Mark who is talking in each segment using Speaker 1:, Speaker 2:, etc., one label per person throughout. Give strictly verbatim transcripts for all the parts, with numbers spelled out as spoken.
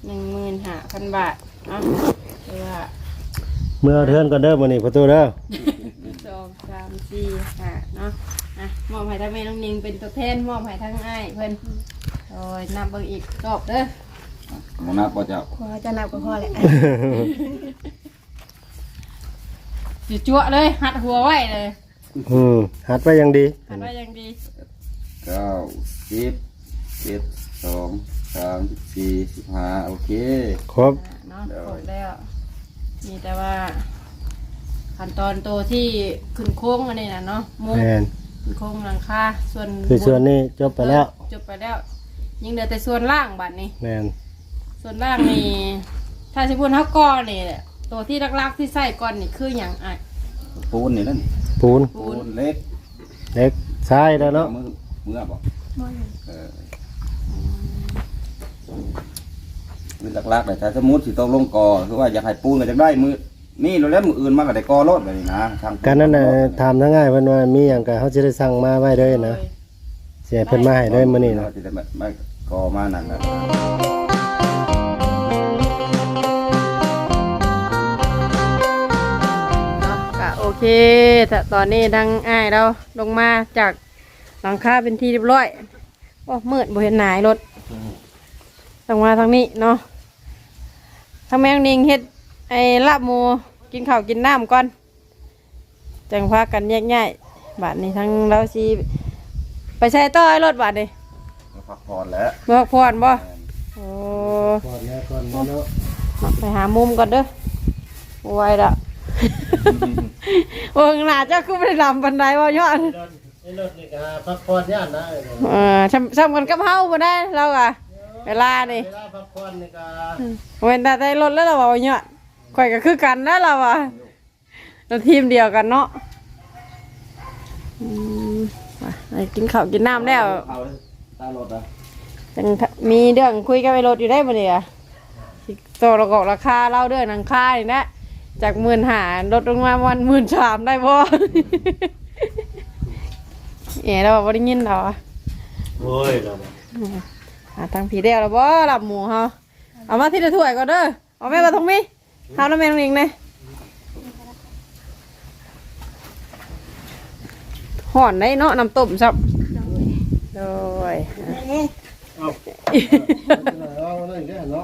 Speaker 1: หนึ่งหมื่นห้าพันบาทเนาะหรือว่า
Speaker 2: เมื่อเทือนก่อนเด้อมื้อนี้ประตูเด้อ
Speaker 1: สองสามสี่ห้าเนาะอ่ะมอบให้ทั้งแม่น้องนิงเป็นตัวแทนมอบให้ทั้งอ้ายเพิ่นโอ้ยนับเบิ่งอีกรอบเด้อ
Speaker 3: บ่นับบ่เจ้า
Speaker 4: พอจะนับก็พอแหละ
Speaker 1: จุจั่วเลยหัดหัวไว้เลย
Speaker 2: อืมหัดไว้อย่างดี
Speaker 1: หัดไว้อย่างดี
Speaker 3: เก้าสิบเจ็ดสองสามสี่สิบห้าโอเค
Speaker 2: ครบ
Speaker 1: อ่ะเนาะครบแล้วมีแต่ว่าขั้นตอนตัวที่ขึ้นโค้งอันนี้นะเนาะมุ้ง
Speaker 2: แม่น
Speaker 1: ขึ้นโค้งหลังคาส่วน
Speaker 2: คือส่วนนี้จบไปแล้ว
Speaker 1: จบไปแล้วยังเหลือแต่ส่วนล่างบัดนี้
Speaker 2: แม่น
Speaker 1: ส่วนล่างนี่ถ้าสิพูดเท่าก้อนนี่แหละตัวที่ลักๆที่ใส่ก้อนนี่คืออย่างอ่ะ
Speaker 3: ปูนนี่นั่น
Speaker 2: ปูน
Speaker 3: ปูนเล็ก
Speaker 2: เล็กทรายแล้วเนาะ
Speaker 3: มือมือบ่เออมือหลักๆเลยถ้าสมมุติสิต้องลงกอคือว่าอยากให้ปูนก็จะได้มือนี่เราเล่นมืออื่นมาก็ได้กอรถแบบนี้นะทาง
Speaker 2: การนั้นน่ะถามทั้งง่ายเพิ่นว่ามีหยังก็เฮาสิได้สั่งมาไว้เลยนะสิให้เพิ่นมาให้เลยมื้อนี้นะ
Speaker 3: ที่จะไม่กอมานั่นนะ
Speaker 1: เนาะก็โอเคแต่ตอนนี้ดังอ้ายเราลงมาจากหลังคาเป็นที่เรียบร้อยโอ้มืดบ่เห็นหนายรถลงมาทางนี้เนาะทางแมงนิงเฮ็ดไอ้ลาบหมูกินข้าวกินน้ำก่อนจังพากันแยกย้ายบาดนี้ทั้งเราสิไปใช้ต่อไอ้รถบาดนี้
Speaker 3: พักผ่อนแล้ว
Speaker 1: เบิกพรบ่โอ้
Speaker 2: ก่อนแล้วก่อนเนาะ
Speaker 1: มาไปหามุมก่อนเด้อไว้ละโอ้หน้าเจ้าคือไม่ได้ลำบันไดว่ายอด
Speaker 2: ไอ้รถนี่ก็พักผ่อนย่านได้
Speaker 1: เออซ้ำซ้ำกันกับเฮาบ่ได้เราอะเวลานี่
Speaker 2: เวลาพักผ่อนนี่ก็
Speaker 1: เว้นแต่ได้รถแล้วเราว่ายอดข่อยก็คือกันนะเราอะเราทีมเดียวกันเนาะอืมไปกินข้าวกินน้ำแล้ว
Speaker 3: เอาตารถอ่ะ
Speaker 1: จังมีเรื่องคุยกับไอ้รถอยู่ได้บ่เนี่ยโตระกอกราคาเล่าเรื่องหนังค่านี่นะจากหมื่นหาลดลงมาวันหมื่นสามได้บ่ เอ๋เราบ่ได้ยินเหรอ
Speaker 2: โอ้ยเรา
Speaker 1: อ่าทางผีเดียวแล้วบ่หลับหมูเฮาเอามาที่ละถ้วยก่อนเด้อเอาแม่มาตรงนี้เฮาแล้วแม่ตรงนี้นะห่อนได้เนาะน้ำต้มซับโดย
Speaker 2: เอาเอาเลยเด้อเนาะ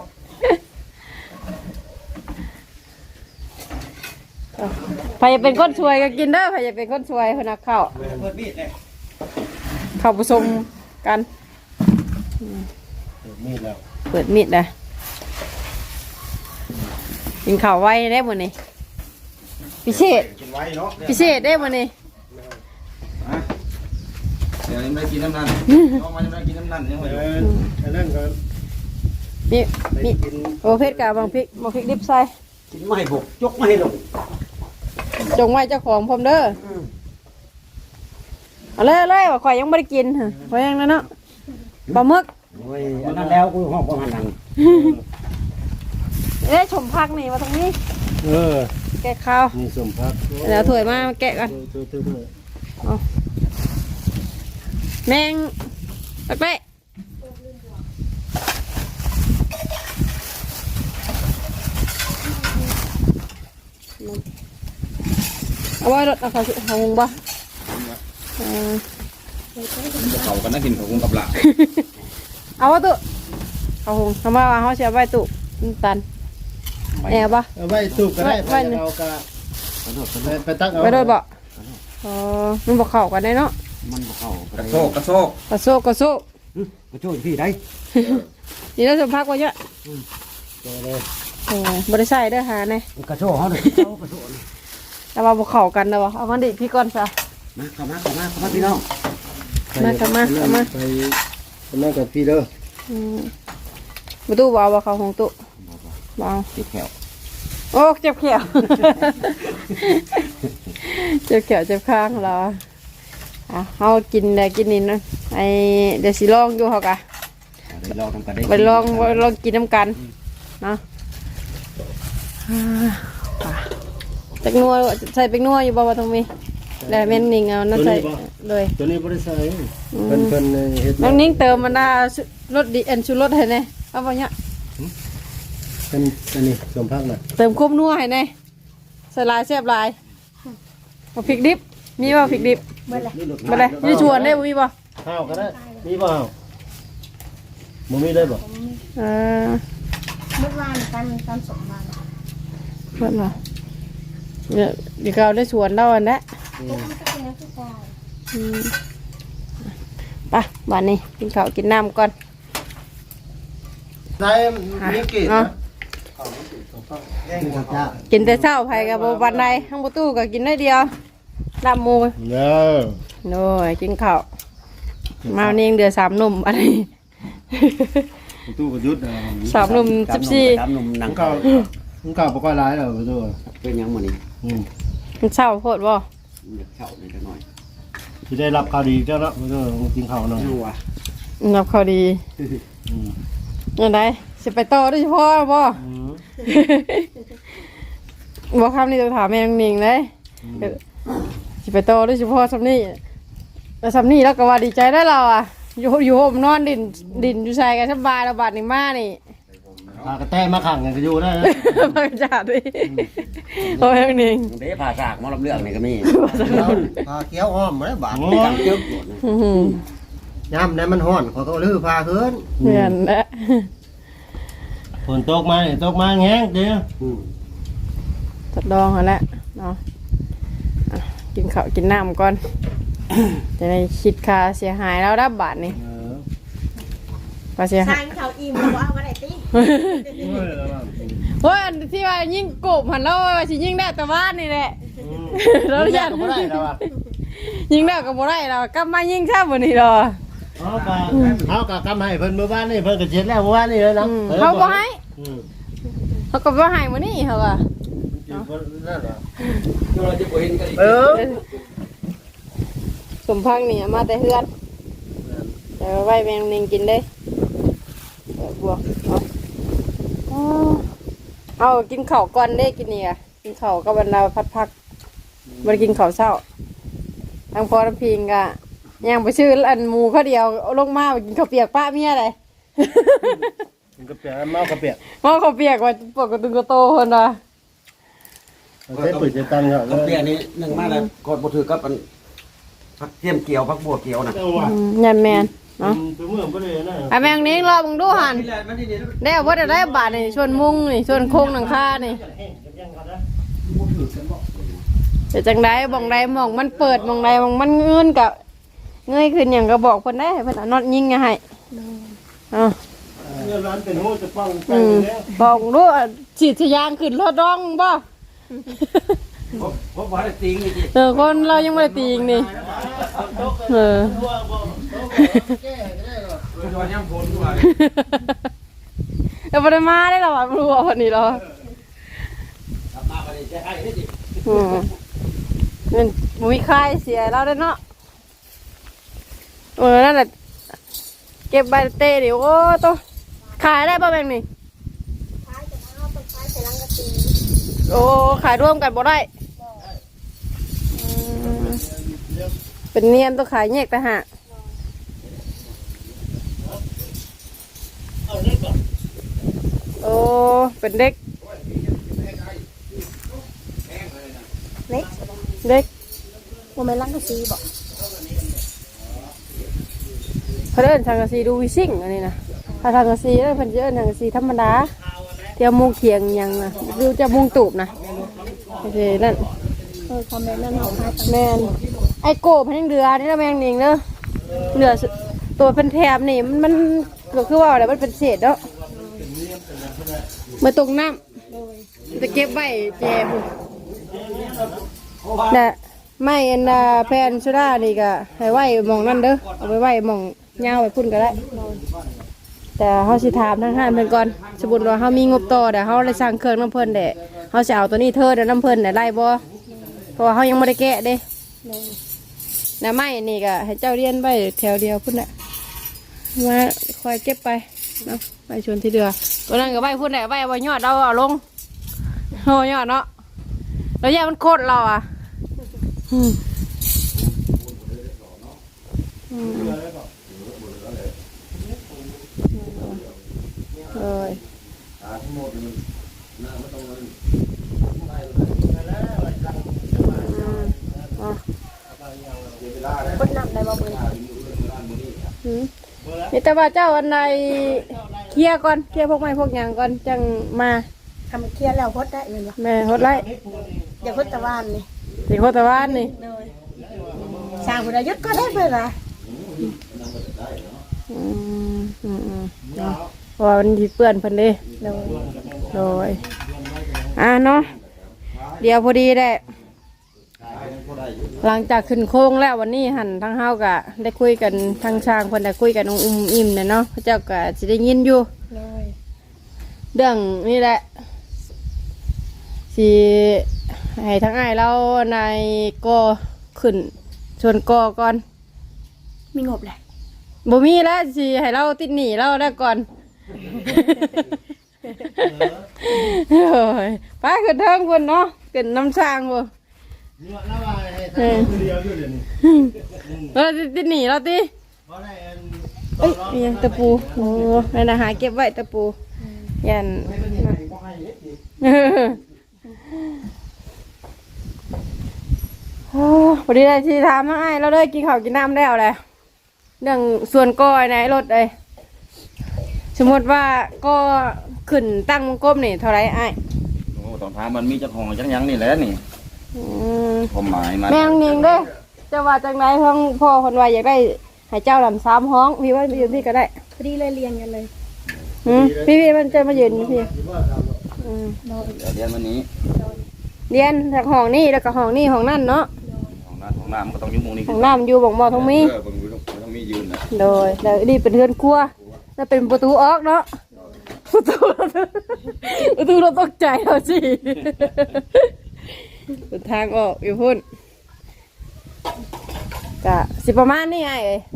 Speaker 1: ใครจะเป็นคนช่วยก็กินเด้อใครจะเป็นคนช่วยเพิ่นนักข้าว
Speaker 3: เปิดมีดเลย
Speaker 1: เข้าผสมกัน
Speaker 2: มีดแล้ว
Speaker 1: เปิดมีดนะกินข้าวไว้ได้หมดนี่พิเศษ
Speaker 3: กินไว้เนาะ
Speaker 1: พิเศษได้หมดนี่
Speaker 3: เดี๋ยวยังไม่กินน้ำนั่นน้องมันยังไม่กินน้ำนั่นยังไม่
Speaker 2: เอ
Speaker 3: รู้
Speaker 2: ออันนั้นก็
Speaker 1: นี่
Speaker 2: ไป
Speaker 1: นี่
Speaker 2: กิน
Speaker 1: โอเพชรกับบางพริกบางพริกดิบใส่
Speaker 2: กินไม่ให้บกยกไม่ให้ลง
Speaker 1: จงไว้เจ้าของผมเด้อเอาเลยเอาเลยว่าข่อยยังไม่ได้กินเหรอข่อยยังนั่นเนาะปลาหมึก
Speaker 2: โอ้ยอันนั้นแล้วกูห้องประมาณนั้น
Speaker 1: เอ้ยชมพักนี่มาตรงนี้
Speaker 2: เออ
Speaker 1: แกะข้าว
Speaker 2: นี่สมพัก
Speaker 1: เดี๋ยวถ้วยมาแกะกันแมงตักไปเอาไว้รถเอาเขาเขาหงบ่เออ
Speaker 3: เขากันนะกินเขาคงกับหลัก
Speaker 1: เอาวะตุเขาหงทำไมว่าเขาเสียใบตุตันแอบบ่
Speaker 2: เอาไว้ตูบก็ได้
Speaker 1: ไว้
Speaker 2: ไป
Speaker 1: ไว้
Speaker 2: เอากะไปตักเอา
Speaker 1: ไปโดนบ่อ๋อมันบอกเข้ากันได้เนาะ
Speaker 2: มันบ่เข้าก
Speaker 3: ระโชกกระโชก
Speaker 1: กระโซกกระโซก
Speaker 2: กระโจนพี่ได้
Speaker 1: นี่เราสัมภาษณ์ว่าเยอะ
Speaker 2: เจอเลย
Speaker 1: โอ้บริษัทเด้อหาเนี่ย
Speaker 2: กระโจนเฮาเลยกระโจน
Speaker 1: แต่ว่าบอกเข้ากันนะวะเอามันดิพี่ก่อนซะ
Speaker 2: มาเข้ามาเข้ามาเข้ามาพี่น้อง
Speaker 1: มากลับมาเข้ามา
Speaker 2: ไปไปนั่งกับพี่เด้อ
Speaker 1: อืมประตูบ่เอาบ่เข้าของตุบ่เอา
Speaker 3: ติดแขว
Speaker 1: โอ้เจ็บแขว เจ็บแขวเจ็บข้างเหรออ่ะเฮากินได้กินนี่นะไอเดี๋ยวสิลองอยู่เฮากะ
Speaker 2: ไปลองทำกันได้
Speaker 1: ไปลองไปลองกินน้ำกันเนาะอ่าเป็กนัวใส่เป็กนัวอยู่บ่ว่าตรงนี้แล้วแม่นนิ่งเอานั่นใส่เลย
Speaker 2: ตัวนี้บ่ได้ใส่เพิ่นเพิ่นเฮ็ด
Speaker 1: น้องนิ่งเติมมันน่ารสดีเอ็นชูรสให้แน่เอาบ่เนี่ย
Speaker 2: เป็นอันนี้สมพักน่ะ
Speaker 1: เติมคุ้มนัวให้แน่ใส่ลายแซ่บลายเอาพริกดิบมีบ่พริกดิบบ่เลยบ่เลยอยู่ชวนได้บ่มีบ่
Speaker 2: ข้าวก็ได้มีบ่ข้าวบ่มีได้บ่
Speaker 1: เออ
Speaker 4: เมื่อวานกันกันสองวัน
Speaker 1: เพิ่นว่าเดี๋ยวเดี๋ยวเราได้ชวนเราอันนั้น
Speaker 4: มันก็เป็นนักศึกษา
Speaker 1: อืมไปบ้านนี้กินข้าวกินน้ำก่อน
Speaker 2: ได้มีกี่
Speaker 1: เนาะ
Speaker 2: แย่งกับจ้า
Speaker 1: กินแต่เช้าไผกับบ่วันใดทั้งประตูก็กินได้เดียวลาบหมู
Speaker 2: เด้อ
Speaker 1: โน่ยกินข้าวมาวันนี้ยังเดือสามหนุ่มอะไร
Speaker 3: ตู้ประยุทธ์
Speaker 1: สามหนุ่มสิบสี่
Speaker 5: ตามหนุ่มหนัง
Speaker 2: เก่ามันเก่าบ่ค่อยหลายแล้วประตู
Speaker 5: เป็นหยังมื้อนี้
Speaker 2: อืม
Speaker 1: มันเช้าโพดบ่
Speaker 5: อยากเข้าหน่อยจักหน่อย
Speaker 2: สิได้รับข่าวดีเจ้าละประตูกินข้าวหน่อย
Speaker 5: จังหวะ
Speaker 1: นับเขาดี
Speaker 2: อืม
Speaker 1: ยังไงสิไปต่อด้วยเฉพาะบ่
Speaker 2: อืม
Speaker 1: บ่คำนี้ต้องถามแม่นางนิงเลยสิไปต่อด้วยเฉพาะสำนี้แล้วสำนี้แล้วก็ว่าดีใจได้เราอ่ะอยู่อยู่ห่มนอนดินดินอยู่ใส่กันสบายระบาดนี่มานี่
Speaker 2: พากระแตมาขังกันก็อยู่ได้นะ
Speaker 1: มาจัดดิโอ้ยนางนิง
Speaker 5: เด้ผ่าซากหมอลำเรื่องนี่ก็มี
Speaker 6: พาเกี้ยวอ้อมมาได้บาด
Speaker 2: โอ้
Speaker 5: จังจึ๊บ
Speaker 1: อื้อหือย
Speaker 6: ามนั้นมันฮ้อนขอยก็ลื้อพาขึ้น
Speaker 1: เหมือนนะ
Speaker 2: ฝนตกมานี่ตกมาแห้งเด้อ
Speaker 5: อืม
Speaker 1: ทดลองเอาละเนาะอ่ะกินข้าวกินน้ำก่อน จะได้คิดค่าเสียหายแล้วรับบาทนี่
Speaker 2: เออ
Speaker 1: ค่าเสียหาย
Speaker 4: ทางเขาอิ่มแล้วว่าวันไหนตี
Speaker 1: เฮ้ยอันที่ว่ายิ่งกบหันแล้วว่าสิยิ่งได้แต่บ้านนี่แหละ เราอยาก
Speaker 2: บ่ได้แล้วอ่ะ
Speaker 1: ยิ่งได้ก็บ่ได้เรากลับมายิ่งแซ่บกว่านี้ดอก
Speaker 2: เอากะเอากะกำให้เพิ่นเมื่อวานนี่เพิ่นก็เช็ดแล้วเมื่อวานนี่เลยนะ
Speaker 1: อืมเขาบ่ให้
Speaker 2: อืม
Speaker 1: เขาก็บ่ให้มื้อนี้เขาก็
Speaker 2: นั่นแหละ
Speaker 5: เราจะบ่เห็นกันอีก
Speaker 2: เออ
Speaker 1: สมพังนี่เอามาแต่เฮือนแต่ว่าไว้แมงนิงกินได้เออบวกเอาเอาเอากินข้าวก่อนเด้กินนี่อ่ะกินข้าวกับบรรดาพัดพักบ่ได้กินข้าวเช้าทางพ่อน้ำพิงก็ยังไปชื่ออันหมูเขาเดียวเอาลงมาไปกินข้าวเปียกป้าเมียเลย
Speaker 2: มันก็เปียกเมากระเปียก
Speaker 1: หม้อข้าวเปียกว่าปกติก็โตคนว่ะ
Speaker 2: ใช้ปุ๋ยจะตังค์เหรอ
Speaker 5: กับเปียนี่หนึ่งมาแล้วกดบ่ถือกับอันผักเทียมเกี่ยวผักบัวเกี่ยวน่ะ
Speaker 2: เอาว่ะ
Speaker 1: อืมยันแมนเนาะ
Speaker 2: ตัวเมื่อบ่ได้นะ
Speaker 1: ไอ้แมงนี้รอมึงดูหันได้เอาว่าจะได้บาทนี่ชวนมุงนี่ชวนโค้งหนังคานี่จะจังได้มองใดมองมันเปิดมองใดมองมันเงินกับเงยขึ้นอย่างก็บอกเพิ่นได้เพิ่นเอาน็อตยิงให้อ๋อ
Speaker 2: เงินร้านเป็นหูจะป้องกั
Speaker 1: อื
Speaker 2: น
Speaker 1: ม
Speaker 2: แล้ว
Speaker 1: บอกดูฉีดทะยางขึ้นรถดองบ่
Speaker 5: บ่บ่บ่ได้ติงนี่สิ
Speaker 1: เออคนเรายังไม่ได้ตีอีกนี่เออ
Speaker 5: คือว่ายังฝนอยู่ว่า
Speaker 1: เดี๋ยวบ่ได้มาได้หรอวะรู้ว่าวันนี้หรอ
Speaker 5: กลับมาบ่ได้ใช้ไอ้นี่สิ
Speaker 1: อืมมันบ่มีใครเสียเราได้เนาะเออนั่นแหละเก็บใบเตะดิโอ้โตขายได้ป่ะแบงนี่
Speaker 4: ท้ายจะเอาไปท้ายใส่ลังกะตี
Speaker 1: โอ้ขายร่วมกันบ่ได้อืมเป็นเนียนต้องขายแยกแต่หากโอ้เป็นเด็ก
Speaker 4: เล็ก
Speaker 1: เด็ก
Speaker 4: โมเมนลังกะตีบอก
Speaker 1: เขาเดินทางกะซีดูวิซิ่งอันนี้นะถ้าทางกะซีเดินเพันเดินทางกะซีธรรมดาเที่ยวมุงเขียงหยังนะดูจะมุงตูบนะโอเคนั่น
Speaker 4: เออคอมเมนต์นั่นเอาให้
Speaker 1: แมนไอโก้พันยังเดือนี่นะแมงนิงเนอะเดือตัวเป็นแถบนี่มันมันก็คือว่าอะไรมันเป็นเศษเนาะมาตกน้ำจะเก็บไว้แจมน่ะไม่อันดาแพนสุดานี่ก็ให้ไว้หมองนั่นเด้อเอาไปไว้หมองยาวไว้พุ่นก็ได้ แต่เขาสิถามทางห้านเพิ่นก่อนสมมุติว่าเขามีงบต่อแต่เขาเลยสั่งเครื่องน้ำเพิ่นแต่เขาจะเอาตัวนี้เธอเดี๋ยวน้ำเพิ่นแต่ไล่บ่เพราะว่าเขายังไม่ได้แกะเด้น้ำไม้นี่ก็ให้เจ้าเรียนไว้แถวเดียวพุ่นแหละมาคอยเก็บไปเนาะไปชวนที่เดือตัวนั้นก็ไว้พุ่นแหละไว้ไว้ยอดเราเอาลงโหยอดเนาะแล้วยามันโคตรเราอ่ะอืมอืมเลยอืมมีแต่ว่าเจ้าอันใดเคลียร์ก่อนเคลียร์พวกไม้พวกหยังก่อนจังมา
Speaker 4: ทำเคลียร์แล้วพดได้เลยบ่
Speaker 1: แม่ฮดไล่
Speaker 4: อย่าพดตะวันนี่
Speaker 1: สิโคตรวานนี่
Speaker 4: เลยสร้างพุทธยุทธก็ได้เพิ่นล่ะ
Speaker 1: อืมอืมอืมเนาะเพราะว่ามันสิเปื้อนเพิ่นเด้
Speaker 4: เลย
Speaker 1: โดยอ่ะเนาะเดี๋ยวพอดีแหละหลังจากขึ้นโค้งแล้ววันนี้หันทั้งเฮากะได้คุยกันทางช่างเพิ่นได้คุยกันอุ้มอิ่มเนี่ยเนาะพระเจ้าก็สิได้ยินอยู่
Speaker 4: เลย
Speaker 1: เรื่องนี่แหละสิให้ทั้งอ้ายเราในก็ขึ้นชวนกอก่อน
Speaker 4: มีงบแหละ
Speaker 1: บ่มีแล้วสิให้เราติดหนี้เราได้ก่อนโอ้ยไปขึ้นเทิงพุ่นเนาะขึ้นน้ำช่างบ่เออเราติดหนีเราติเอ้ยมียังตะปูโอ้นั่นนะหาเก็บไว้ตะปูยันเออโอ้พอดีเลยที่ถามมาไอ้เราเลยกินข้าวกินน้ำแล้วแหละเรื่องส่วนก้อยในรถเลยสมมติว่าก็ขึ้นตั้งวงกลมนี่เท่าไรไอ้
Speaker 3: โอ้ต้องถามมันมีจักห้องจักหยังนี่แหละนี่
Speaker 1: อืม
Speaker 3: ความหมายมัน
Speaker 1: แมงนิงเด้อจะว่าจังไรทั้งพ่อคนว่าอยากได้ให้เจ้าลำสามห้องพี่ว่าไปยืนพี่ก็ได้
Speaker 4: พอดีเลยเรียนกันเลย
Speaker 1: อืมพี่พี่มันจะมายืนอยู่พี่อืม
Speaker 3: เดี๋ยวเรียนวันนี้
Speaker 1: เรียนจากห้องนี่แล้วก็ห้องนี่ห้องนั่นเนาะ
Speaker 3: ห้องน้ำห้องน้ำมันก็ต้องอยู่หมุงนี้
Speaker 1: ห้องน้ำอยู่บ่งบ่อทงมี
Speaker 3: เออเบิ่งอยู่ต้องต้องมียืนนะ
Speaker 1: โดยแล้วนี่เป็นเรือนครัวแล้วเป็นประตูออกเนาะประตูประตูเราตกใจเราสิเป็นทางออกอยู่พุ่นกะสิประมาณนี้ไอ้เอ้ย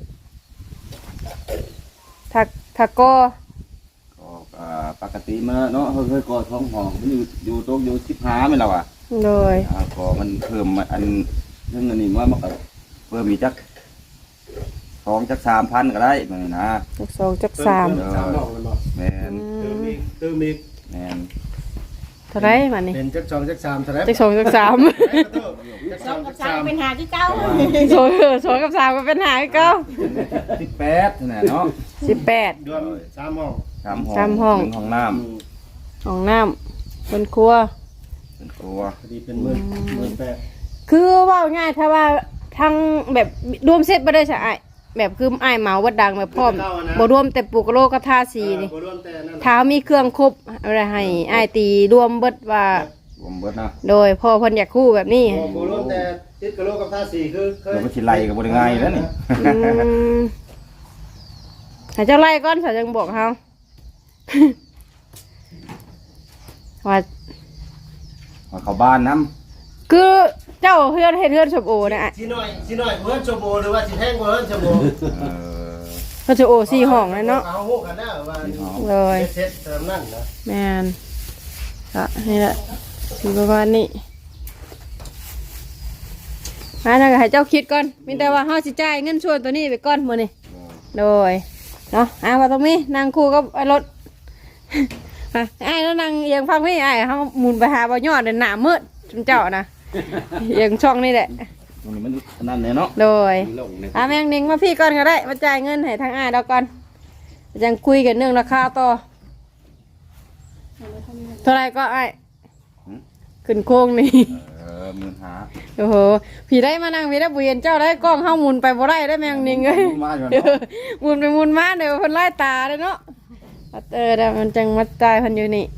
Speaker 1: ถักถักก็
Speaker 3: ก็อ่าปกติมันเนาะเฮ้ยๆก็ท้องห้องมันอยู่อยู่โต๊ะอยู่สิบห้าไม่แล้วอ่ะ
Speaker 1: โดย
Speaker 3: อ่าก็มันเพิ่มมาอันเรื่องอันนี้ว่ามันก็เพิ่มมีจักสองจักสามพันก็ได้เหมือนนะ
Speaker 1: จักสองจักสาม
Speaker 3: เออแมน
Speaker 2: เติมอีกเติมอีก
Speaker 3: แมน
Speaker 1: เท่าไรมานี่
Speaker 2: เป็นจักสองจักสามเท่าไหร่
Speaker 1: จักสองจักสาม
Speaker 2: จัก
Speaker 4: ส
Speaker 2: ส
Speaker 4: อ
Speaker 2: อง ง
Speaker 4: กั
Speaker 2: จั
Speaker 4: บ
Speaker 2: ก
Speaker 4: สา
Speaker 2: สาม ม
Speaker 4: เป็นหาที่เก้า
Speaker 1: สองสองกับสามก็เป็นหายเก้า
Speaker 3: สิบแปดนี่เนาะ
Speaker 1: สิบแปด
Speaker 2: รวมสามห้อง
Speaker 3: สามห้อง
Speaker 1: สามห้อง
Speaker 3: หนึ่งห้องน้
Speaker 1: ห้องน้ำเป็นครัว
Speaker 3: ำเป็นครัว
Speaker 2: พอดีเป็นหมื่นหมื่นแปด
Speaker 1: คือว่าง่ายถ้าว่าทั้งแบบรวมเซตบ่ได้ใช่ไอ้แบบคือไอ้ายเหมาวัดดังแบบพร้อมบ่รวมแต่ปลูกโลกระทาสีนี่
Speaker 2: บ่รวมแต่นั่น
Speaker 1: ถ้ามีเครื่องครบอะไรให้ไอ้ายตีรวมเบิดว่าร
Speaker 3: วมเบิดนะ
Speaker 1: โดยพ่อเพิ่นอยากคู่แบบนี้
Speaker 2: บ่บ่รวมแต่ติดกะโหลกกับท่าสี่คือเคย
Speaker 3: เดี๋ยวมันสิไล่กับบริง่ายแล้วนี่
Speaker 1: อืมให้เจ้าไล่ก่อนสาจังบอกเฮา ว่า
Speaker 3: มาเข้าบ้านน้
Speaker 1: คือเจ้าเฮือนเฮ็ดเฮือนสมโอนะไอ้
Speaker 2: สิหน่อยสิหน่อยเพิ่นชั่วโมงหรือว่าสิแท่งบ่เพิ่นชั่วโมง
Speaker 3: ำเออ
Speaker 1: เฮือนสมโอสี่ห้องเลยเนาะ
Speaker 2: เอาฮู้กันได้ว่า
Speaker 1: เลย
Speaker 2: เซ็ตเติมนั่นนะ
Speaker 1: แม่นก็นี่แหละสิประมาณนี้มาทางให้เจ้าคิดก่อนมีแต่ว่าเฮาสิจ่ายเงินส่วนตัวนี้ไปก่อนมื้อนี้โดยเนาะอ่าว่าตรงนี้นั่งคู่กับไอ้รถ อ่ะไอ้แล้วนั่งเอียงฟังพี่ไอ้เฮาหมุนไปหาบ่ยอดหน้ามืดจุมเจ้านะเอียงช่องนี่แหละ
Speaker 3: ตรงนี้มันนั่นเนี่ยเนาะ
Speaker 1: โดย
Speaker 5: ลงเนี่ย
Speaker 1: อ่ะแมงนิงมาพี่ก่อนก็ได้มาจ่ายเงินให้ทางอ้ายเราก่อนยังคุยกันเรื่องราคาต่อเท่าไหรก็ไอ้ายขึ้นโค้งนี่
Speaker 3: เออมือหา
Speaker 1: โอ้โหพี่ได้มานั่งพี่ได้บุเย็นเจ้าได้กล้องเข้าหมุนไปบ่ได้ได้แมงนิงเอ้ย
Speaker 3: มาอยู่
Speaker 1: เอ
Speaker 3: เนาะ
Speaker 1: อหมุนไปหมุนมาเดี๋ยวเพิ่นไล่ตาเลยเนาะเออแต่มันจังมาจ่ายเพิ่นอยู่นี่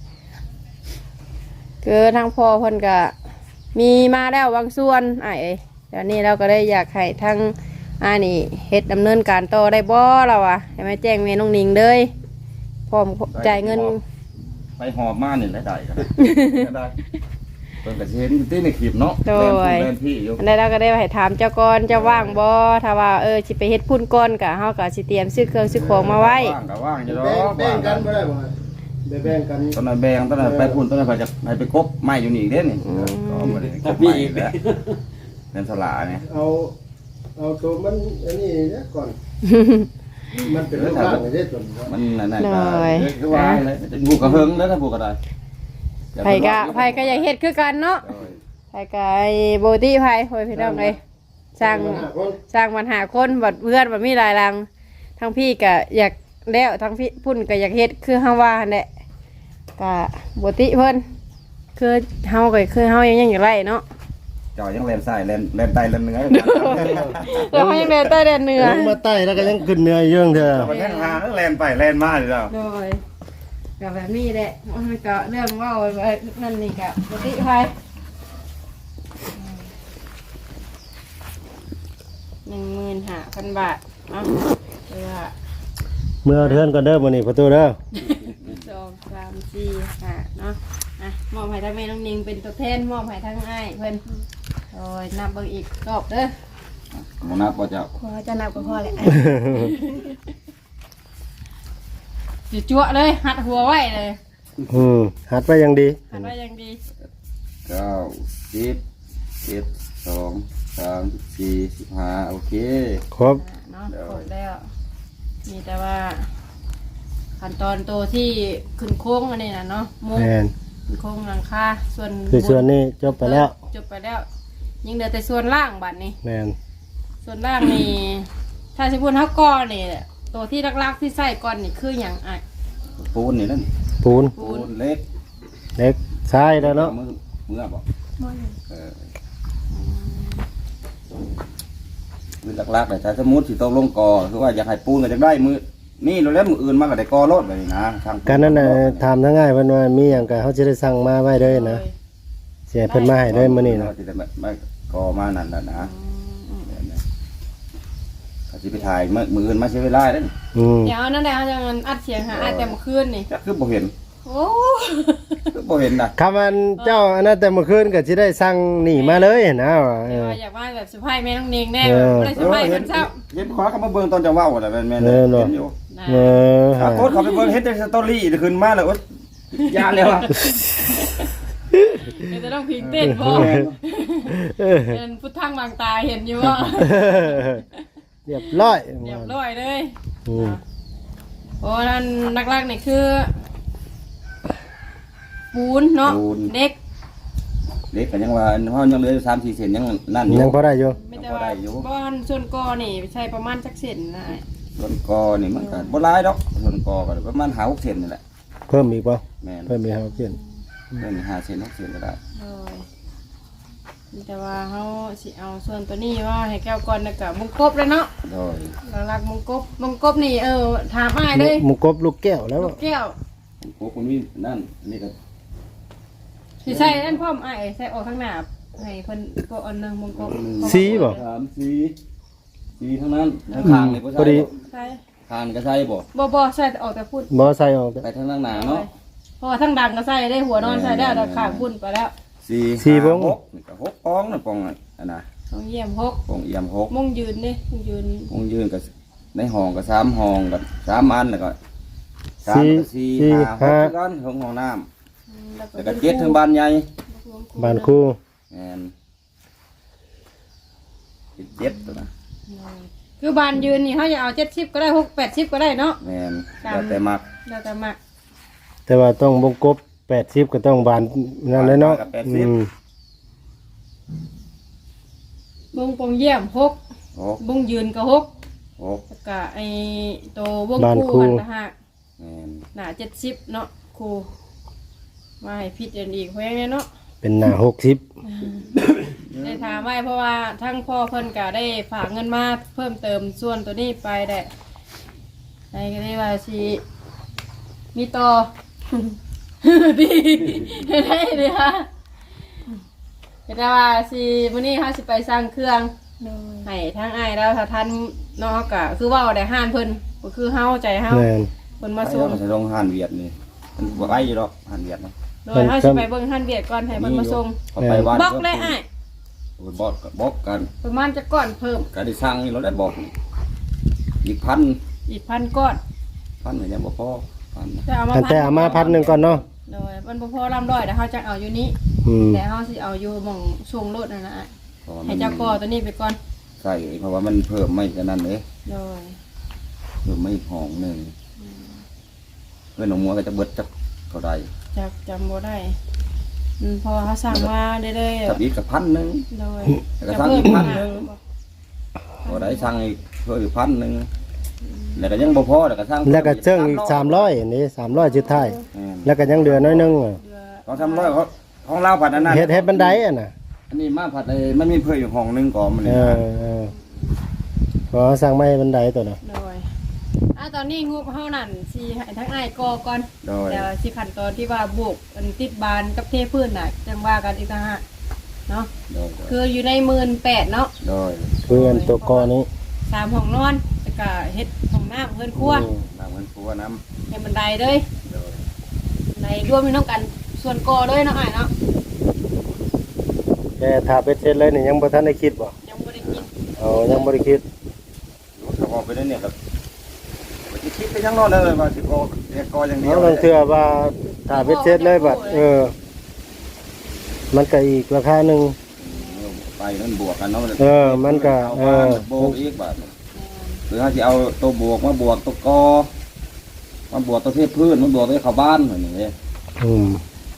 Speaker 1: คือทางพ่อเพิ่นก็มีมาแล้วบางส่วนไอ้ายเอ้ยเดี๋ยวนี้เราก็ได้อยากให้ทางอ่านี่เฮ็ดดำเนินการต่อได้บ่เราอ่ะให้มาแจ้งแม่น้องนิงเลยพร้อมจ่ายเงิน
Speaker 3: ไปหอบมานี่แหละได้กันได้เพิ่นก็สิเห็นอยู่ที่ในคลิปเนาะ
Speaker 1: โดย
Speaker 3: แล่นพี่อยู่
Speaker 1: อันใดเราก็ได้ให้ถามเจ้าก่อนเจ้าว่างบ่ถ้าว่าเออสิไปเฮ็ดพุ่นก่อนก็เฮาก็สิเตรียมซื้อเครื่องซื้อของมาไว้
Speaker 3: ว่างก็ว่างอยู่ดอ
Speaker 2: แบ่ง
Speaker 3: ก
Speaker 2: แบ่งกันบ่ได้บ่แบ่งกัน
Speaker 3: ตอนนั้นแบงตอนนั้นไปพุ่นตอนนั้นไปจะให้ไปกบไม้อยู่นี่อีกเด้นี่ก็บ่ได้กบไม้อีกแล้วเป็นสลาเนี่ย
Speaker 2: เอาเอาตัวมันอันนี้เนี่ยก่อน มันเป็นเรื่องร่างเด้ตัวนี้
Speaker 3: มันนั่นน่ะก็คือว่าเลยบุกกระเฮิงแล้วถ้าบุกกระได
Speaker 1: ไผก็ไผก็อยากเฮ็ดคือกันเนาะไผก็ไอ้โบตี้ไผโอ้ยพี่น้องเอ้ยสร้างสร้างปัญหาคนบัดเพื่อนบัดมีหลายหลังทั้งพี่ก็อยากแล้วทั้งพี่พุ่นก็อยากเฮ็ดคือเฮาว่าหั่นแหละก็บ่ติเพิ่นคือเฮาก็คือเฮายังยังอยู่ไรเนาะ
Speaker 3: เจ้ายังแล่นซ้ายแล่นแล่นใต้แล่นเหนือ
Speaker 1: แล้วเฮายังเดินใต้แดนเหนือ
Speaker 2: ลงมาใต้แล้วก็ยังขึ้นเหนืออยู่เถอะ
Speaker 3: แต่ว่าแล่นหาแล่นไปแล่นมาอยู่แล้ว
Speaker 1: โดยก็แบบนี้แหละมันก็เรื่องเว้าไว้นั่นนี่ก็บ่ติไผหนึ่งหมื่นห้าพันบาทเนาะเพื่อ
Speaker 2: เมื่อเทือนก่อนเด้อมื้อนี้ประตูเด้อ
Speaker 1: สองสามสี่ห้าเนาะอ่ะมอบให้ทั้งแม่น้องนิงเป็นตัวแทนมอบให้ทั้งอ้ายเพิ่นโอ้ยนับเบิ่งอีกรอบเด้อ
Speaker 3: หมอนับบ่เจ้า
Speaker 4: พอจะนับกับพ่อแหละ
Speaker 1: จุจั่วเลยหัดหัวไว้เลย
Speaker 2: อืมหัดไว้อยังดี
Speaker 1: หัดไว้อยังดี
Speaker 3: เก้าสิบเจ็ดสองสามสี่สิบห้าโอเค
Speaker 2: ครบ
Speaker 1: อ่ะเนาะครบแล้วมีแต่ว่าขั้นตอนตัวที่ขึ้นโค้งอันนี้นะเนาะมุ้ง
Speaker 2: แม่น
Speaker 1: ขึ้นโค้งหลังคาส่วน
Speaker 2: คือส่วนนี้จบไปแล้ว
Speaker 1: จบไปแล้วยังเหลือแต่ส่วนล่างบัดนี้
Speaker 2: แม่น
Speaker 1: ส่วนล่างนี่ถ้าสิพูดเท่าก้อนนี่ตัวที่ลักๆที่ใส่ก้อนนี่คืออย่างอ่ะ
Speaker 3: ปูนนี่นั่น
Speaker 2: ปูน
Speaker 1: ปู
Speaker 3: ปู
Speaker 1: น
Speaker 3: นเล็ก
Speaker 2: เล็กทรายแล้วเนาะ
Speaker 3: มือมือบ่
Speaker 4: มอหนึ่ง
Speaker 3: เออมือหลักๆแต่ถ้าสมมุติสิตกลงกอคือว่าอยากให้ปูนก็จะได้มือนี่เราแล้วมืออื่นมาก็ได้กอรถแบบนี้นะทาง
Speaker 2: การนั้นน่ะถามทั้งง่ายเพิ่นว่ามีหยังก็เขาสิได้สั่งมาไว้เลยนะสิให้เพิ่นมาให้เลยมื้อนี้นะ
Speaker 3: เราจะได้ไม่กอมานั่นน่ะนะเขาสิไปถ่ายมือมืออื่นมาใช้เวลาเด้อ
Speaker 2: อืม
Speaker 1: เดี๋ยวนั่นแหละเขาจะอัดเสียงหาอัดแต่เมื่อคืนนี่
Speaker 3: จักคือบ่เห็น
Speaker 1: โอ้
Speaker 3: คือบ่เห็นน่ะ
Speaker 2: คำอันเจ้าอันนั้นแต่เมื่อคืนก็สิได้สั่งหนีมาเลยนะว่าเอ
Speaker 1: เดี๋ยว
Speaker 2: อ
Speaker 1: อยากว่าแบบสะพายแม่น้องเนงแน่
Speaker 2: เออ
Speaker 1: ไม่ได้สะพาย
Speaker 3: เห็
Speaker 1: เพิ่
Speaker 3: น
Speaker 1: นเช้า
Speaker 3: เห็นขวาก็มาเบิ่งตอนจะเว้าแต่แม่นๆ
Speaker 2: เออเนอะ
Speaker 3: เห็นอยู่
Speaker 1: นะ
Speaker 2: เออ
Speaker 3: อ่ะโคตรเขาไปเบิ่งเฮ็ดแต่สตอรี่ขึ้นมาแล้วโอ๊ยยานแล้วอ่ะ
Speaker 1: เดี๋ยวจะต้องพิงเต้นพอ
Speaker 2: เออ
Speaker 1: เป็นพุทธังบางตาเห็นอยู่ว่า
Speaker 2: เรียบร้อย
Speaker 1: เรียบร้อยเลย
Speaker 2: อืม
Speaker 1: โอ้นั่นนักๆนี่คือปูนเนาะเด็ก
Speaker 3: เล็กก็ยังว่าเฮายังเหลืออยู่สามสี่เซนยังนั่นอยู่
Speaker 2: ยังพอได้อยู่
Speaker 1: ไม่แต่ว่าบ้านส่วนกอนี่ใช้ประมาณจักเซนนะ
Speaker 3: ส่วนกอนี่มันก็บ่หลายดอกส่วนกอก็ประมาณห้าหกเซนนี่แหละ
Speaker 2: เพิ่มอีกป่ะ
Speaker 3: แม่น
Speaker 2: เพิ่มอีกครับเพื่อน
Speaker 3: เพิ่นห้าเซนหกเซนก็ได้
Speaker 1: โอ้ยมีแต่ว่าเขาสิเอาส่วนตัวนี้ว่าให้แก้วก่อนแล้วก็มุงกบเลยเนาะ
Speaker 3: โดย
Speaker 1: หลักๆมุงกบมุงกบนี่เออถามอ้ายเลย
Speaker 2: หมุกบลูกแก้วแล้ว
Speaker 1: ลูกแก้ว
Speaker 3: ผมโกคนนี้นั่นนี่ก็
Speaker 1: สิใช่นั่นพ่อมอ้ายใส่ออกข้างหน้าให้เพิ่นก็อันหนึงมุงกบ
Speaker 2: สีบ่
Speaker 3: สามสี่สี่ทั้งนั้นทั้งคางนี่บ่
Speaker 2: พอ
Speaker 3: ใช่
Speaker 2: ดี
Speaker 3: บ่
Speaker 1: ใช่
Speaker 3: คางนี่ก็ใช่บ่
Speaker 1: บ่บ่ใส่แต่ออกแต่พุ่น
Speaker 2: บ่ใส่ออกแต่
Speaker 3: ไปทางด้านหน้าเนาะ
Speaker 1: เพราะว่าทั้งดังก็ใส่ได้หัวนอนใส่ได้แต่ข้างพุ่นไปแล้ว
Speaker 3: สี่
Speaker 2: สี่
Speaker 3: ห้า
Speaker 2: บ่ง
Speaker 3: หกนี่ก็หกปองน่ะปองน่ะอันน่ะ
Speaker 1: ต้องเยี่ยมหก
Speaker 3: ปองเอี่ยมหก
Speaker 1: มุงยืนนี่มุงยืน
Speaker 3: ปองยืนก็ในห้องก็สามห้องก็สามอันแล้วก็สาม
Speaker 2: สี่
Speaker 3: ก็สี่
Speaker 2: สี่
Speaker 3: ห้าหก
Speaker 2: ห้า
Speaker 3: คือกันของห้องน้ำ
Speaker 1: อืมแล้ว
Speaker 3: แล้วก็เจ็ดถึงบ้านใหญ่
Speaker 2: บ้านคู่
Speaker 3: แม่นเจ็ดตัวนะ
Speaker 1: คือบานยืนนี่เขาจะเอาเจ็ดสิบก็ได้หกแปดสิบก็ได้เนาะ
Speaker 3: แม่นแล้วแต่มัก
Speaker 1: แล้วแต่มาก
Speaker 2: แต่ว่าต้องวงกบแปดสิบก็ต้องบานนั่นเลยเนาะอืม
Speaker 1: บุงปงเยี่ยมหก
Speaker 3: หก
Speaker 1: บุงยืนก็หก
Speaker 3: หก
Speaker 1: แล้วก็ไอ้ตัววงคู่หันตะหัก
Speaker 3: แม่น
Speaker 1: หนาเจ็ดสิบเนาะครูมาให้พิจารณาอีกเพราะงั้นเนาะ
Speaker 2: เป็นหน้าหกสิบ
Speaker 1: ได้ถามไว้เพราะว่าทั้งพ่อเพิ่นก็ได้ฝากเงินมาเพิ่มเติมส่วนตัวนี้ไปแหละในก็ได้ว่าสิมีต่อ ดีได้เลยค่ะแต่ว่าสิมื้อนี้เฮาสิไปสร้างเครื่อง
Speaker 4: โดย
Speaker 1: ให้ทั้งอ้ายแล้วถ้าท่านเนาะก็คือเว้าได้ห้านเพิ่นก็คือเฮาใจเฮา
Speaker 2: แม่น
Speaker 1: เพิ่นมา
Speaker 3: มา
Speaker 1: ส่
Speaker 3: ส่
Speaker 1: ง
Speaker 3: งจะลงหานเวียดนี่มันบ่ไกลอยู่ดอกหานเวียดนะ
Speaker 1: โดยเฮาสิไปเบิ่งห้านเวียดก่อนให้เพิ่นมาส่ง
Speaker 3: เขาไปบ้าน
Speaker 1: บอกเลยอ้าย
Speaker 3: โอ้ยบอกก็บอกกัน
Speaker 1: ประมาณจะก้อนเพิ่ม
Speaker 3: ก็ได้สร้างนี่เราได้บอกนี่อีกพัน
Speaker 1: อีกพันก้อน
Speaker 3: พันก็ยังบ่พอพันนะ
Speaker 1: จะเอามา
Speaker 2: ตั้งแต่เอามาพัดหนึ่งก่อนเนาะ
Speaker 1: โดยมันบ่พอลำร้อยแต่เขาจะเอาอยู่นี้
Speaker 2: อืม
Speaker 1: แต่เขาสิเอาอยู่หม่องช่วงรถนั่นนะอ้าย
Speaker 3: เพราะว่า
Speaker 1: ให้
Speaker 3: มัน
Speaker 1: เจ้าก่อตัวนี้ไปก่อน
Speaker 3: ใช่เพราะว่ามันเพิ่มไม่กันนั่นเลย
Speaker 1: โดย
Speaker 3: เพิ่มไม่ห้องหนึ่งเพื่อนหนองมัวก็จะเบิดจักเท่าใด
Speaker 1: จักจำบ่ได้อืมเพอเขาสั่งมาเรื่อย
Speaker 3: กับอีกกับพันหนึ่ง
Speaker 1: ๆโดย
Speaker 3: แล้วก็สั่งอีกพันหนึ่งบ่ได้สั่งอีกเพิ่มอีกพันหนึงแล้วก็ยังบ่พอแล้วก็สั่ง
Speaker 2: แล้วก็เจิ้งอีกสามร้อยอันนี้สามร้อยจุดท้าย
Speaker 3: แม่น
Speaker 2: แล้วก็ยังเหลือน้อยนึงอะ
Speaker 3: ของสามร้อยเขาของเราผัดอันนั้น
Speaker 2: เฮ็ดเฮ็ดบันไดอ่ะน่ะ
Speaker 3: อันนี้มาผัดไอ้มันมีเพิ่มอยู่ห้องหนึงก่อนมัน
Speaker 2: เอ
Speaker 3: นี่
Speaker 2: อเออขอสั่งไม้บันไดตัวน่ะ
Speaker 1: โดยอ่ะตอนนี้งบเฮานั่นสิให้ทั้งอ้ายกอก่อน
Speaker 3: โดย
Speaker 1: แต่สิขั้นตอนที่ว่าบุกอันติดบานกับเทพื้นน่ะจังว่ากันอีกต่างหากเนาะ
Speaker 3: โดย
Speaker 1: คืออยู่ในหมื่นแปดเนาะ
Speaker 3: โดย
Speaker 2: คืออันตัวกอนี้
Speaker 1: สามห้องนอนแล้วก็เฮ็ดห้องน้ำเพิ่นครัว
Speaker 2: อืม
Speaker 3: น้ำเงินปัวน้ำ
Speaker 1: ให้บันไดเลย
Speaker 3: โดย
Speaker 1: ในรวมมีน้องกันส่วนกอเลยเนาะอ้ายเนาะ
Speaker 2: แต่ถ้าเป็ดเสร็จเลยนี่ยังบ่ทันได้คิดบ่
Speaker 1: ยังบ่ได้กิน
Speaker 2: เอายังบ่ได้คิด
Speaker 3: เขาบอกไปได้เนี่ยครับไปคิดไปยังนอนเลยว่าสิโกเรียกกออย่างเดีย
Speaker 2: เอา
Speaker 3: ว
Speaker 2: ลองเชื่อว่าถ้าเป็ดเสร็จเลยบัดเออ มันก็อีกราคาหนึง
Speaker 3: ไปนั่นบวกกันเนาะ
Speaker 2: เออมันก็
Speaker 3: เอา
Speaker 2: เอ
Speaker 3: บ้าน
Speaker 2: อ
Speaker 3: โบกอีกบาทหรือถ้าจะเอาตัวบวกมาบวกตัวกอมาบวกตัวเทพพื้นมาบวกตัวเข้าบ้านเหมือนอย่างนี้
Speaker 2: อืม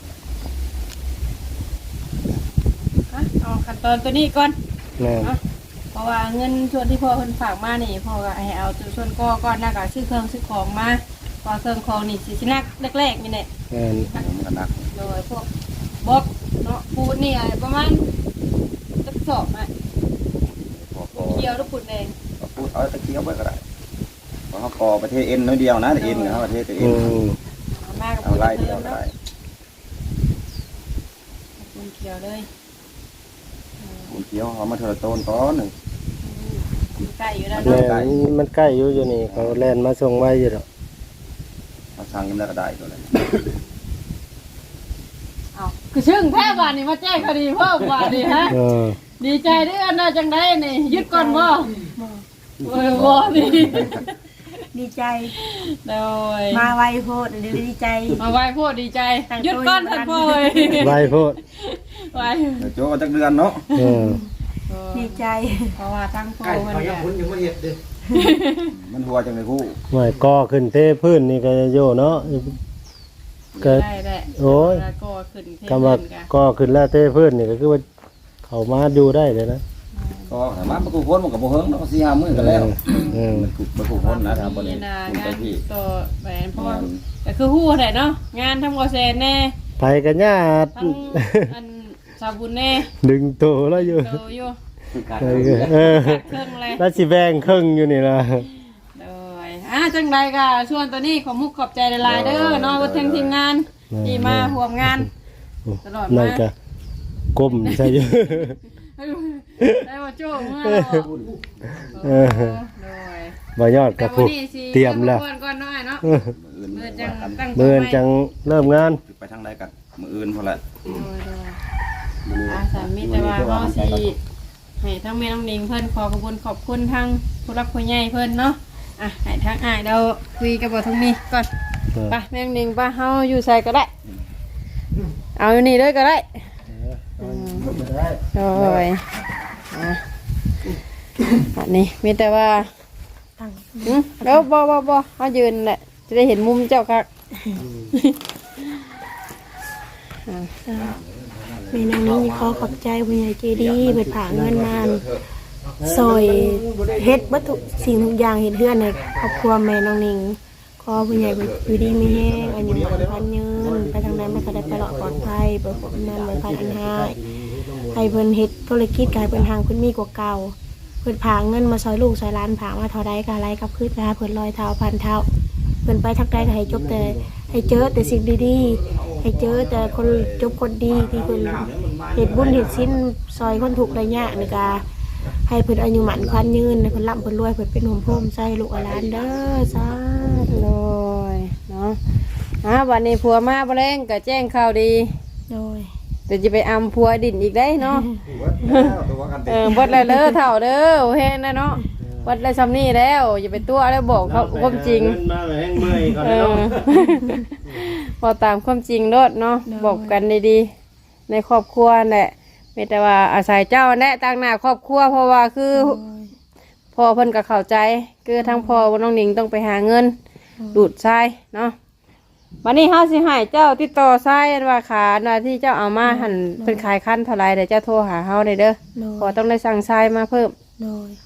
Speaker 1: อ่ะเอาขั้นตอนตัวนี้ก่อน
Speaker 2: แม่น
Speaker 1: เนาะเพราะว่าเงินส่วนที่พ่อเพิ่นฝากมานี่พ่อก็ให้เอาส่วนกอก่อนแล้วก็ซื้อเครื่องซื้อของมาพอเครื่องของนี่สิสินักแรกๆนี่แหละ
Speaker 2: แม่น
Speaker 3: มันก็หนัก
Speaker 1: โดยพวกบล็อกเนาะปูนนี่อะไรประมาณสักสอบอ่ะ
Speaker 3: พอกอ
Speaker 1: เกี่ยวลูกปูนแดง
Speaker 3: ก็พูดเอาตะเกียบไว้ก็ได้เพราะเขากอประเทศเอ็นน้อยเดียวนะเอ็นเขาประเทศแต่เอ็
Speaker 2: อื
Speaker 3: น
Speaker 2: ม
Speaker 1: เอามากับ
Speaker 3: เอา
Speaker 1: ปูน
Speaker 3: ไล่
Speaker 1: เพิ่
Speaker 3: เดียว
Speaker 1: ม
Speaker 3: ก็
Speaker 1: เนาะ
Speaker 3: ได้
Speaker 1: ปูนเขียวเลย
Speaker 3: คุณเคี้ยวเขามาเทอโตนก้อนหนึ่ง
Speaker 1: ปูนใกล้อยู่แล้ว
Speaker 2: แม่
Speaker 1: เนาะ
Speaker 2: นมันใกล้อยู่อยู่นี่เขาแล่นมาส่งไว้อยู่ดอก
Speaker 3: มาสั่งยังได้ก็ได้ตัวเลย
Speaker 1: เอาคือชึ่งแท้บานนี่มาแจ้งคดีเพิ่มบานนี่ฮะ
Speaker 2: เออ
Speaker 1: ดีใจด้วยอันน่ะจังได้นี่ยึดก่อนบ่โอ้ยบ่นี่
Speaker 4: ดีใจ
Speaker 1: โดย
Speaker 4: มาไวโพดเดี๋ยวดีใจ
Speaker 1: มาไหว้พูดดีใจยึดก้อนทันพ่อเลย
Speaker 2: ไว้โพด
Speaker 1: ไหว้
Speaker 3: เดี๋ยวโจ้ก็จักเดือนเนาะ
Speaker 2: เออ
Speaker 4: ดีใจ
Speaker 1: เพราะว่าทั้งพ่อ
Speaker 5: ไก่
Speaker 1: มัน
Speaker 5: เขายั
Speaker 1: เนี่
Speaker 5: ง
Speaker 1: ย
Speaker 5: พ้นยังไม่เห็ดเลย
Speaker 3: มันหัวจังเลยคู่
Speaker 2: หน่วยก่อขึ้นเทพื้นนี่ก็โยเนาะ เกิด
Speaker 1: ได้แหละ
Speaker 2: โอ้ย
Speaker 1: แล้วก็ขึ้นเท
Speaker 2: คำว่า
Speaker 1: พื้นกัน
Speaker 2: ก่อขึ้นแล้วเทพื้นนี่ก็คือว่าเขามาอยู่ได้เลยนะ
Speaker 3: ก็สามารถมาคู่พ้นมันกับโบเฮิงเนาะสี่ห้ามื้อกันแล้ว
Speaker 2: เออ
Speaker 3: มันถูกมาคู่พ้นนะทำบนนี้
Speaker 1: นี่นะ
Speaker 3: คุณ
Speaker 1: งา
Speaker 3: ไป
Speaker 1: น
Speaker 3: ที่
Speaker 1: ต่อแหวนเพราะว่าแต่คือฮู้แหละเนาะงานทำกอเซนแน่
Speaker 2: ไปกันญาติ
Speaker 1: ทั้งอันสาบุญแน่
Speaker 2: ดึงโตแล้วอยู่
Speaker 1: โตอยู่
Speaker 2: เออเออ
Speaker 1: เครื่องเลย
Speaker 2: แล้วสิแบ่งครึ่งอยู่นี่นะ
Speaker 1: โดยอ่ะจังไรก็ชวนตัวนี้ขอมุกขอบใจหลายๆเด้อเนาะทั้งทีมงานที่มาร่วมงานตลอด
Speaker 2: นั่
Speaker 1: มาน
Speaker 2: ก็ก้มใช่อยู่
Speaker 1: ได้มาโจ้เมื่อเรา
Speaker 2: เออ
Speaker 1: โดย
Speaker 2: บ่ยอดกับผู้เตรียมแล้ว
Speaker 1: ก่อนก่อนน้อยเนาะ
Speaker 2: เออ
Speaker 3: มื้อ
Speaker 1: เมื่
Speaker 3: อื่
Speaker 1: อน จัง
Speaker 3: ว่ากัน
Speaker 1: ตั้ง
Speaker 2: เบิ่นจังเริ่มงาน
Speaker 3: ไปทางใดกันมื้ออื่นพอละ
Speaker 1: โดยโดยอาสามีแต่ว่าเขาสิให้ทั้งแม่น้องนิงเพิ่นขอขอบคุณขอบคุณทั้งผู้รักผู้ใหญ่เพิ่นเนาะอ่ะให้ทั้งอ้ายเราคุยกับบ่ทั้งนี้ก่อน
Speaker 2: เออ
Speaker 1: ไปแม่น้องนิงไปเฮาอยู่ใส่ก็ได้ เอาอยู่นี่เลยก็ได้โดยอ่ะอันนี้มีแต่ว่า
Speaker 4: ตั้ง
Speaker 1: อืมแล้วบ่บ่บ่เขายืนแหละจะได้เห็นมุมเจ้าคัก
Speaker 4: แม่นางนี้ขอขอบใจผู้ใหญ่ใจดีเปิดผาเงินมานซอยเฮ็ดวัตถุสิ่งทุกอย่างเฮ็ดเฮือนในครอบครัวแม่น้องนิงขอผู้ใหญ่อยู่ดีมีแห้งอันยังหวานพันยืนไปทางนั้นไม่ก็ได้ไปหลอดปลอดภัยเปิดผมนั้นไว้พันอันห้าให้เพิ่นเฮ็ดธุรกิจกายเพิ่นทางเพิ่นมีกว่าเก่าเพิ่นผาเงินมาซอยลูกซอยหล้านผามาเท่าใดก็ไรกับคืนนะเพิ่นลอยเท้าพันเท้าเพิ่นไปทักใดก็ให้จบแต่ให้เจอแต่สิ่งดีๆให้เจอแต่คนจบคนดีที่เพิ่นเฮ็ดบุญเฮ็ดศีลซอยคนถูกข์ระยะนี่ก็ให้เพิ่นอายุหมันควันยืนให้เพิ่นร่ำเพิ่นรวยเพิ่นเป็นห่มโพมใส่ลูกหลานเด้อสาธุ
Speaker 1: โดยเนาะอ่ะวันนี้ผัวมาบ่แรงก็แจ้งข่าวดี
Speaker 4: โดย
Speaker 1: เดี๋ยวจะไปอำผัวดินอีกได้เนาะ
Speaker 3: ตัวกัน
Speaker 1: เออเบดเลยเด้อเถ่าเด้อโอเห็นนะเนาะเบดเลยซ้ำนี่แล้วอย่าไปตัวแล้วบอกเขาความจริง
Speaker 2: เงินมาแห้งเมื่อยก่อน
Speaker 1: เอ
Speaker 2: เนาะ
Speaker 1: อ พอตามความจริงโลดเนาะบอกกันดีๆในครอบครัวแหละไม่แต่ว่าอาศัยเจ้าแน่ตั้งหน้าครอบครัวเพราะว่าคือพ่อเพิ่นก็เข้าใจคือทั้งพ่อว่าน้องหนิงต้องไปหาเงินดูดทรายเนาะวันนี้เฮาสิให้เจ้าติดต่อทรายว่าขาหน้าที่เจ้าเอามาหั่นเป็นขายคันเท่าไรเดี๋ยวเจ้าโทรหาเฮาได้เด้อ
Speaker 4: โด
Speaker 1: ขอย ต้องได้สั่งทรายมาเพิ่ม
Speaker 4: โดย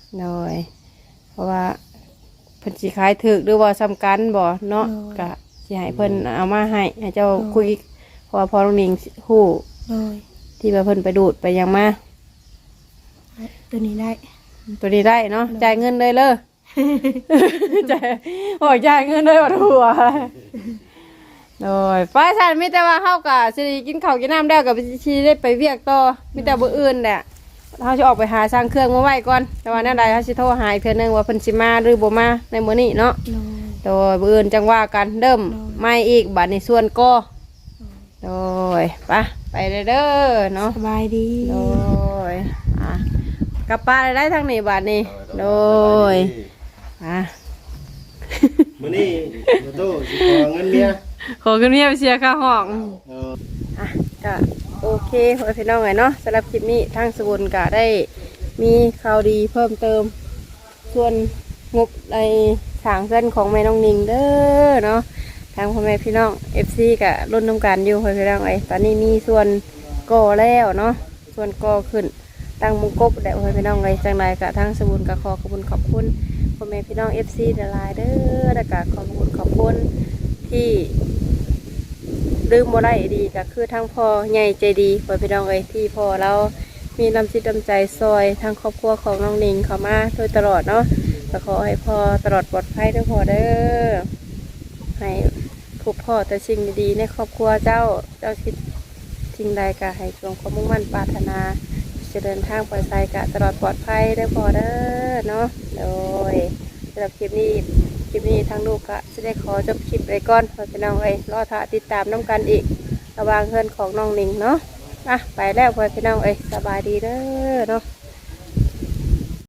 Speaker 1: โดยเพราะว่าเพิ่นสิขายถึกหรือว่าสำคัญบ่เนาะก็สิให้เพิ่นเอามาให้ให้เจ้าคุยเพราะว่าพอน้องนิงฮู้
Speaker 4: โดย
Speaker 1: ที่ว่าเพิ่นไปดูดไปหยังมา
Speaker 4: ตัวนี้ได้
Speaker 1: ตัวนี้ได้เนาะจ่ายเงินเลยเลย จ่ายโอ้ยจ่ายเงินเลยว่าหัวโดยฟ้าฉันมีแต่ว่าเฮากะสิกินข้าวกินน้ำแล้วกับสิได้ไปเวียกต่อมีแต่บ่อื่นแหละเฮาสิออกไปหาสร้างเครื่องมาไว้ก่อนแต่ว่าแนวใดเฮาสิโทรหาอีกเทื่อนึงว่าเพิ่นสิมาหรือบ่มาในมื้อนี้เนาะ
Speaker 4: โดย
Speaker 1: โดยบ่อื่นจังว่ากันเริ่มไม่อีกบัดนี้ส่วนก็โดยไปไปเด้อเนาะ
Speaker 4: สบายดี
Speaker 1: โดยอ่ะกลับป้านได้ทางนี้บาทนี้โดยอ่ะ
Speaker 2: มื้อนี้บ่ตู้สิขอเงินเมีย
Speaker 1: ขอขึ้นเมียไปเสียค่าห้อง
Speaker 2: เออ
Speaker 1: อ่ะก็โอเคพ่อพี่น้องไงเนาะสำหรับคลิปนี้ทางสบุนก็ได้มีข่าวดีเพิ่มเติม ส่วนงบในทางเส้นของแม่น้องนิงเด้อเนาะทางพ่อแม่พี่น้อง เอฟ ซี ก็รุ่นน้ำกันอยู่พ่อพี่น้องไอ้ตอนนี้มีส่วนก่อแล้วเนาะส่วนก่อขึ้นตั้งมุงกบแด่พ่อพี่น้องไอ้จังไรก็ทางสบุนก็ขอขอบคุณขอบคุณพ่อแม่พี่น้อง เอฟ ซี เดลายเด้อแล้วก็ขอบคุณขอบคุณที่ลืมบ่ได้ดีก็คือทั้งพ่อใหญ่ใจดีพ่อพี่น้องเอ้ยที่พ่อเรามีน้ำจิตน้ำใจซอยทั้งครอบครัวของน้องนิงเข้ามาโดยตลอดเนาะก็ขอให้พ่อตลอดปลอดภัยเด้อพ่อเด้อให้พบพ่อแต่สิ่งดีๆในครอบครัวเจ้าเจ้าคิดสิ่งใดก็ให้จงความมุ่งมั่นปรารถนาจะเดินทางปลอดภัยกะตลอดปลอดภัยเด้อพ่อเด้อเนาะโดยสำหรับคลิปนี้ คลิปนี้ทางลูกก็จะได้ขอจบคลิปไปก่อนเพราะพี่น้องเอ้ยรอท่าติดตามน้ำกันอีกระหว่างเพื่อนของน้องหนิงเนาะอ่ะไปแล้วเพื่อนพี่น้องเอ้ยสบายดีเด้อเนาะ